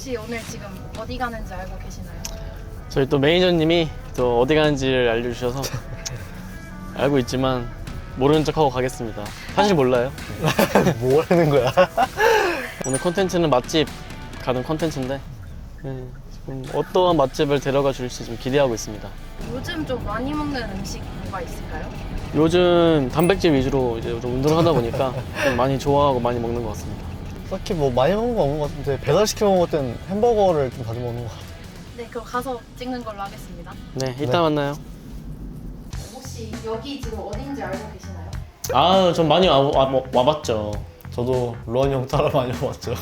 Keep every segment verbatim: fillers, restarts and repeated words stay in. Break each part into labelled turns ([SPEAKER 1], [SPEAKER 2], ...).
[SPEAKER 1] 혹시 오늘 지금 어디 가는지 알고 계시나요?
[SPEAKER 2] 저희 또 매니저님이 또 어디 가는지를 알려주셔서 알고 있지만 모르는 척하고 가겠습니다. 사실 몰라요.
[SPEAKER 3] 뭐 하는 거야?
[SPEAKER 2] 오늘 컨텐츠는 맛집 가는 컨텐츠인데 네, 지금 어떠한 맛집을 데려가 줄지 좀 기대하고 있습니다.
[SPEAKER 1] 요즘 좀 많이 먹는 음식 뭐가 있을까요?
[SPEAKER 2] 요즘 단백질 위주로 이제 좀 운동을 하다 보니까 좀 많이 좋아하고 많이 먹는 것 같습니다.
[SPEAKER 3] 딱히 뭐 많이 먹는 거 없는 것 같은데 배달시켜 먹을 땐 햄버거를 좀 자주 먹는 것 같아요.
[SPEAKER 1] 네, 그럼 가서 찍는 걸로 하겠습니다.
[SPEAKER 2] 네, 이따
[SPEAKER 3] 네.
[SPEAKER 2] 만나요.
[SPEAKER 1] 혹시 여기 지금 어딘지 알고 계시나요?
[SPEAKER 2] 아, 전 많이 와, 와, 와봤죠.
[SPEAKER 3] 저도 루안 형 따라 많이 먹었죠.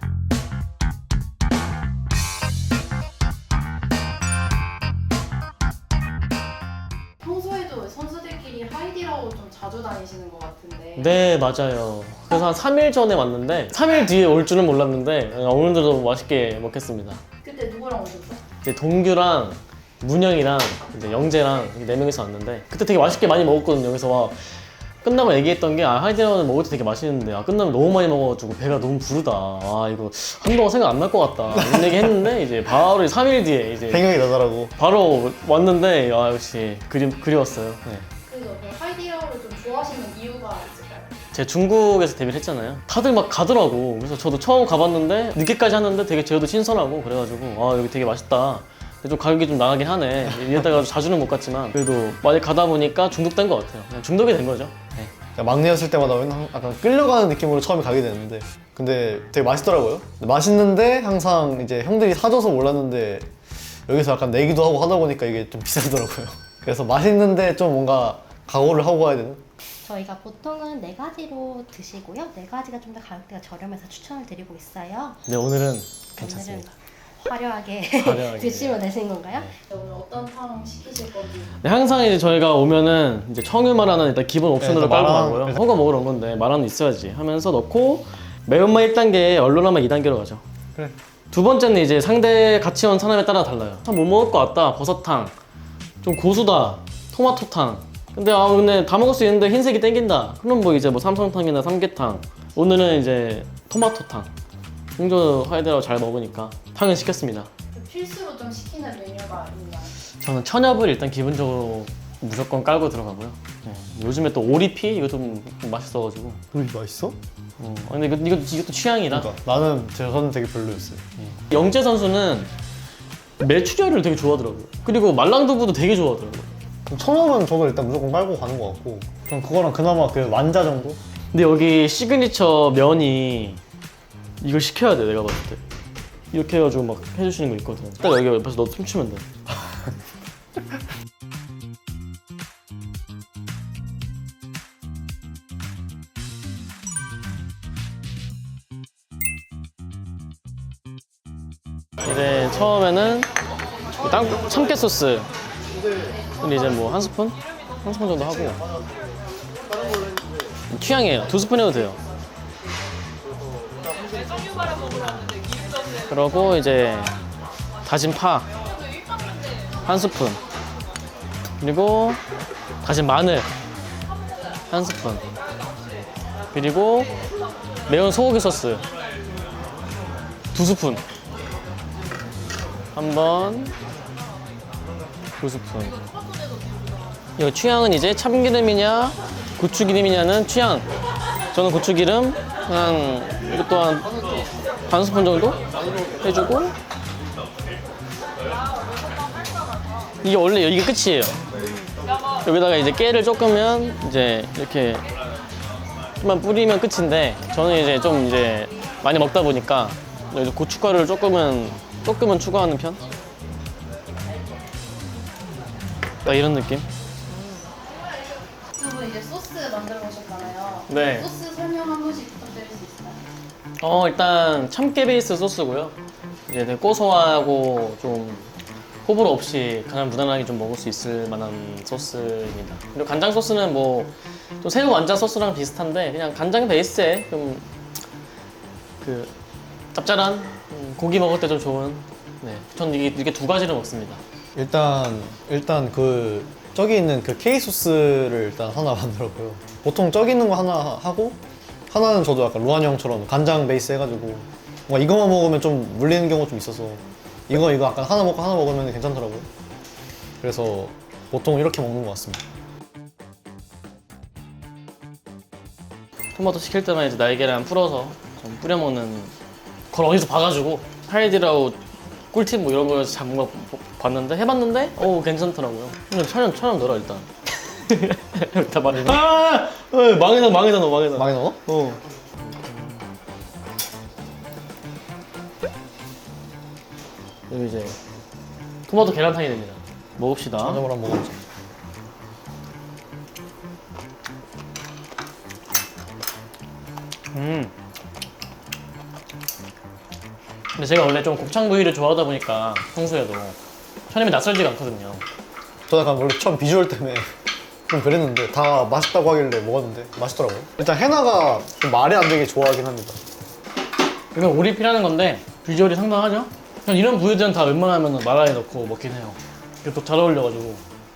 [SPEAKER 1] 평소에도 선수들끼리 하이디라고 좀 자주 다니시는 것 같은데
[SPEAKER 2] 네, 맞아요. 그래서 한 삼 일 전에 왔는데 삼 일 뒤에 올 줄은 몰랐는데 오늘도 맛있게 먹겠습니다.
[SPEAKER 1] 그때 누구랑 오셨어?
[SPEAKER 2] 이제 동규랑 문영이랑 이제 영재랑 네 명이서 왔는데 그때 되게 맛있게 많이 먹었거든요. 그래서 와 끝나고 얘기했던 게 아, 하이디라운은 먹을 때 되게 맛있는데 아, 끝나면 너무 많이 먹어가지고 배가 너무 부르다. 아 이거 한동안 생각 안 날 것 같다. 이런 얘기 했는데 이제 바로 삼 일 뒤에 이제
[SPEAKER 3] 생각이 나더라고.
[SPEAKER 2] 바로 왔는데 아 역시 그리, 그리웠어요. 네.
[SPEAKER 1] 그래서 그 하이디라고를 좀 좋아하시는 이유가 있을까요?
[SPEAKER 2] 제가 중국에서 데뷔를 했잖아요. 다들 막 가더라고. 그래서 저도 처음 가봤는데 늦게까지 하는데 되게 제어도 신선하고 그래가지고 아 여기 되게 맛있다. 근데 좀 가격이 좀 나가긴 하네. 이랬다가 자주는 못 갔지만 그래도 많이 가다 보니까 중독된 것 같아요. 그냥 중독이 된 거죠. 네.
[SPEAKER 3] 그러니까 막내였을 때마다 맨날 약간 끌려가는 느낌으로 처음에 가게 됐는데 근데 되게 맛있더라고요. 맛있는데 항상 이제 형들이 사줘서 몰랐는데 여기서 약간 내기도 하고 하다 보니까 이게 좀 비싸더라고요. 그래서 맛있는데 좀 뭔가 각오를 하고 가야 되는?
[SPEAKER 4] 저희가 보통은 네 가지로 드시고요. 네 가지가 좀 더 가격대가 저렴해서 추천을 드리고 있어요.
[SPEAKER 2] 네 오늘은
[SPEAKER 4] 오늘은
[SPEAKER 2] 괜찮습니다.
[SPEAKER 4] 화려하게,
[SPEAKER 2] 화려하게.
[SPEAKER 4] 드시면 되시는 건가요?
[SPEAKER 1] 네, 오늘 어떤 탕 시키실 건지
[SPEAKER 2] 네, 항상 이제 저희가 오면은 이제 청유마라는 일단 기본 옵션으로
[SPEAKER 3] 네,
[SPEAKER 2] 깔고
[SPEAKER 3] 마라는-
[SPEAKER 2] 가고요. 허거 먹으러 온 건데 마라는 있어야지 하면서 넣고 매운맛 일 단계, 얼큰함맛 이 단계로 가죠.
[SPEAKER 3] 그래.
[SPEAKER 2] 두 번째는 이제 상대 같이 온 사람에 따라 달라요. 참 못 먹을 것 같다. 버섯탕. 좀 고수다. 토마토탕. 근데 아 근데 다 먹을 수 있는데 흰색이 땡긴다. 그럼 뭐 이제 뭐 삼성탕이나 삼계탕. 오늘은 이제 토마토탕. 홍조 하이드라고 잘 먹으니까 탕은 시켰습니다.
[SPEAKER 1] 그 필수로 좀 시키는 메뉴가 있나요?
[SPEAKER 2] 저는 천엽을 일단 기본적으로 무조건 깔고 들어가고요. 네. 요즘에 또 오리피 이거 좀 맛있어가지고.
[SPEAKER 3] 우리 맛있어?
[SPEAKER 2] 어, 근데 이거, 이거 이것도 취향이라.
[SPEAKER 3] 그러니까 나는 저는 되게 별로였어요.
[SPEAKER 2] 영재 선수는 메추리알을 되게 좋아하더라고요. 그리고 말랑두부도 되게 좋아하더라고요.
[SPEAKER 3] 천엽은 저도 일단 무조건 깔고 가는 것 같고 전 그거랑 그나마 그 완자 정도?
[SPEAKER 2] 근데 여기 시그니처 면이 이걸 시켜야 돼 내가 봤을 때. 이렇게 해가지고 막 해주시는 거 있거든. 딱 여기 옆에서 너 춤추면 돼. 이제 처음에는 땅 참깨 소스. 근데 이제 뭐 한 스푼? 한 스푼 정도 하고. 취향이에요. 두 스푼 해도 돼요. 그러고 이제 다진 파 한 스푼, 그리고 다진 마늘 한 스푼, 그리고 매운 소고기 소스 두 스푼, 한번 두 스푼. 이거 취향은 이제 참기름이냐 고추기름이냐는 취향. 저는 고추기름 한 이것도 한 반 스푼 정도 해주고, 이게 원래 이게 끝이에요. 여기다가 이제 깨를 조금면 이제 이렇게 좀만 뿌리면 끝인데 저는 이제 좀 이제 많이 먹다 보니까 여기서 고춧가루를 조금은 조금은 추가하는 편. 딱 이런 느낌.
[SPEAKER 1] 두 분 이제 소스 만들어 보셨잖아요.
[SPEAKER 2] 네.
[SPEAKER 1] 소스 설명 한 번씩 부탁드릴 수 있어요?
[SPEAKER 2] 어 일단 참깨 베이스 소스고요. 이제 되게 고소하고 좀 호불호 없이 그냥 무난하게 좀 먹을 수 있을 만한 소스입니다. 그리고 간장 소스는 뭐 좀 새우 완자 소스랑 비슷한데 그냥 간장 베이스에 좀 그 짭짤한 음, 고기 먹을 때 좀 좋은. 네, 전 이게 이게 두 가지를 먹습니다.
[SPEAKER 3] 일단 일단 그 저기 있는 그 케이 소스를 일단 하나 만들었고요. 보통 저기 있는 거 하나 하고 하나는 저도 약간 루안 형처럼 간장 베이스 해가지고 뭔가 이거만 먹으면 좀 물리는 경우가 좀 있어서 이거 이거 약간 하나 먹고 하나 먹으면 괜찮더라고요. 그래서 보통 이렇게 먹는 것 같습니다.
[SPEAKER 2] 토마토 시킬 때만 이제 날계란 풀어서 좀 뿌려 먹는 걸 어디서 봐가지고 하이디라우 꿀팁 뭐 이런 거 잡은 거 봤는데 해봤는데 오 괜찮더라고요. 근데 천연 천연 넣어라 일단. 다 말해. 아, 어, 망해다 망해다 너 망해다.
[SPEAKER 3] 많이 넣어?
[SPEAKER 2] 어. 여기 이제 토마토 계란탕이 됩니다. 먹읍시다.
[SPEAKER 3] 저녁으로 한번 먹어보자.
[SPEAKER 2] 음. 근데 제가 원래 좀 곱창 부위를 좋아하다 보니까 평소에도 천임이 낯설지가 않거든요.
[SPEAKER 3] 저 약간 원래 처음 비주얼 때문에 좀 그랬는데 다 맛있다고 하길래 먹었는데 맛있더라고요. 일단 해나가 좀 말이 안 되게 좋아하긴 합니다.
[SPEAKER 2] 이건 오리피라는 건데 비주얼이 상당하죠? 그냥 이런 부위들은 다 웬만하면 마라에 넣고 먹긴 해요. 이게 또 잘 어울려가지고.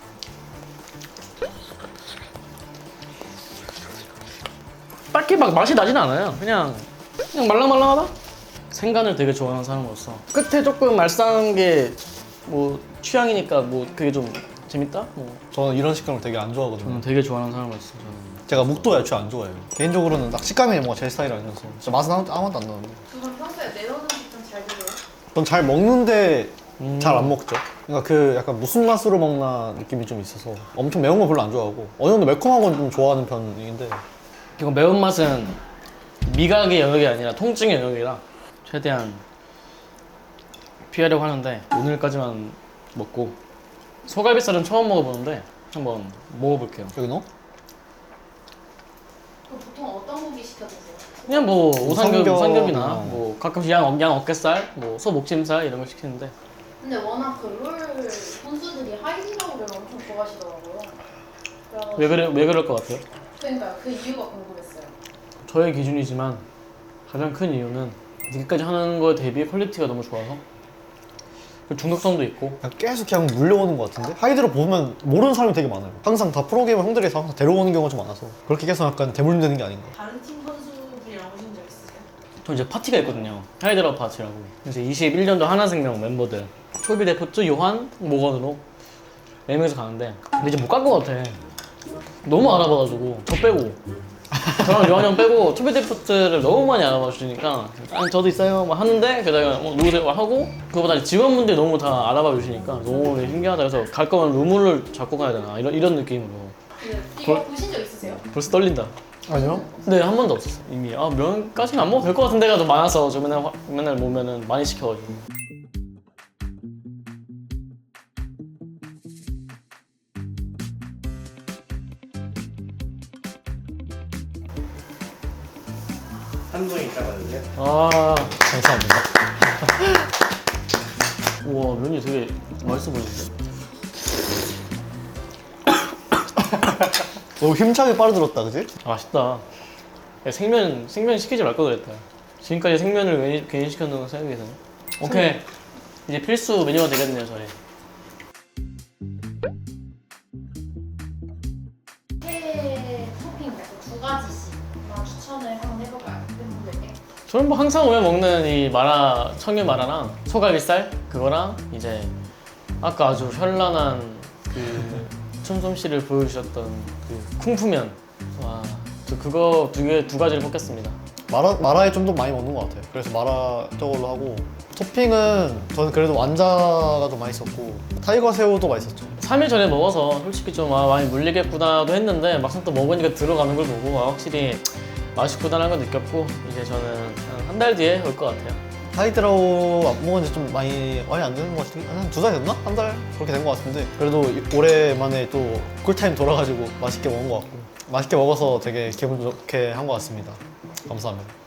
[SPEAKER 2] 딱히 막 맛이 나진 않아요. 그냥 그냥 말랑말랑하다? 생간을 되게 좋아하는 사람으로서 끝에 조금 말싸한 게 뭐 취향이니까 뭐 그게 좀 재밌다? 뭐
[SPEAKER 3] 저는 이런 식감을 되게 안 좋아하거든요.
[SPEAKER 2] 저는 되게 좋아하는 사람으로서 저는
[SPEAKER 3] 제가 묵도 애초에 안 좋아해요. 개인적으로는 딱 식감이 뭔가 제 스타일이 아니어서 진짜 맛은 아무- 아무것도 안 나는데
[SPEAKER 1] 그건 평소에 매운 음식 좀 잘 드세요?
[SPEAKER 3] 전 잘 먹는데
[SPEAKER 2] 음.
[SPEAKER 3] 잘 안 먹죠. 그러니까 그 약간 무슨 맛으로 먹나 느낌이 좀 있어서 엄청 매운 거 별로 안 좋아하고 어느 정도 매콤한 건 좀 좋아하는 편인데
[SPEAKER 2] 이거 매운맛은 미각의 영역이 아니라 통증의 영역이라 최대한 피하려고 하는데 오늘까지만 먹고 소갈비살은 처음 먹어보는데 한번 먹어볼게요.
[SPEAKER 3] 여기 넣어?
[SPEAKER 1] 그럼 보통 어떤 고기 시켜 드세요?
[SPEAKER 2] 그냥 뭐 오삼겹,
[SPEAKER 3] 우삼겹,
[SPEAKER 2] 오삼겹이나
[SPEAKER 3] 어.
[SPEAKER 2] 뭐 가끔씩 양, 양 어깨살, 뭐 소 목짐살 이런 걸 시키는데
[SPEAKER 1] 근데 워낙 그 롤 선수들이 하이디라우를 엄청 좋아하시더라고요. 그래가지고
[SPEAKER 2] 왜 그래 왜 그럴 것 같아요?
[SPEAKER 1] 그러니까요. 그 이유가 궁금했어요.
[SPEAKER 2] 저의 기준이지만 가장 큰 이유는 지금까지 하는 거에 대비 퀄리티가 너무 좋아서 그리고 중독성도 있고
[SPEAKER 3] 그냥 계속 그냥 물려오는 것 같은데 하이드로 보면 모르는 사람이 되게 많아요. 항상 다 프로게이머 형들이 다 항상 데려오는 경우가 좀 많아서 그렇게 계속 약간 대물림되는 게 아닌가.
[SPEAKER 1] 다른 팀 선수들이랑 오신 적 있으세요?
[SPEAKER 2] 저 이제 파티가 있거든요. 하이드라우 파티라고. 이제 이십일 년도 하나생명 멤버들 초비 데프트, 요한, 모건으로 네 명이서 가는데 근데 이제 못 갈 것 같아. 너무 알아봐가지고 저 빼고 저랑 요한 형 빼고 초비 데프트를 너무 많이 알아봐 주시니까 아니 저도 있어요 막 하는데 게다가 뭐 누구세요 하고 그거보다 직원분들이 너무 다 알아봐 주시니까 너무 신기하다. 그래서 갈 거면 루물을 잡고 가야 되나 이런 이런 느낌으로
[SPEAKER 1] 네. 이거 보신 적 있으세요?
[SPEAKER 2] 벌써 떨린다.
[SPEAKER 3] 아니요?
[SPEAKER 2] 네, 한 번도 없었어. 이미 아 면까지는 안 먹어도 될 것 같은 데가 좀 많아서 저 맨날 화- 맨날 보면은 많이 시켜가지고.
[SPEAKER 5] 한동이 있다거든요.
[SPEAKER 2] 아,
[SPEAKER 3] 감사합니다.
[SPEAKER 2] 우와 면이 되게 맛있어 보이는데.
[SPEAKER 3] 너무 힘차게 빨아들었다, 그지?
[SPEAKER 2] 아, 맛있다. 야, 생면 생면 시키지 말 걸 그랬다. 지금까지 생면을 괜히, 괜히 시켰는 거 생각이 드네. 오케이, 이제 필수 메뉴가 되겠네요 저희.
[SPEAKER 1] 회 토핑 말고 두 가지씩만 추천을 한번 해볼까요? 팬분들께.
[SPEAKER 2] 저는 뭐 항상 오면 먹는 이 마라 청유 마라랑 소갈비살 그거랑 이제 아까 아주 현란한 그 춤솜씨를 보여주셨던 그 쿵푸면 와, 저 그거 두 개 두 가지를 뽑겠습니다.
[SPEAKER 3] 마라, 마라에 좀 더 많이 먹는 것 같아요. 그래서 마라 저걸로 하고 토핑은 저는 그래도 완자가 좀 맛있었고 타이거 새우도 맛있었죠.
[SPEAKER 2] 삼 일 전에 먹어서 솔직히 좀 아, 많이 물리겠구나도 했는데 막상 또 먹으니까 들어가는 걸 보고 아, 확실히 맛있구나라는 걸 느꼈고 이제 저는 한 달 뒤에 올 것 같아요.
[SPEAKER 3] 하이드라우 안 먹은 지 좀 많이 많이 안 되는 것 같은데 한 두 달 됐나? 한 달 그렇게 된 것 같은데 그래도 오랜만에 또 꿀타임 돌아가지고 맛있게 먹은 것 같고 맛있게 먹어서 되게 기분 좋게 한 것 같습니다. 감사합니다.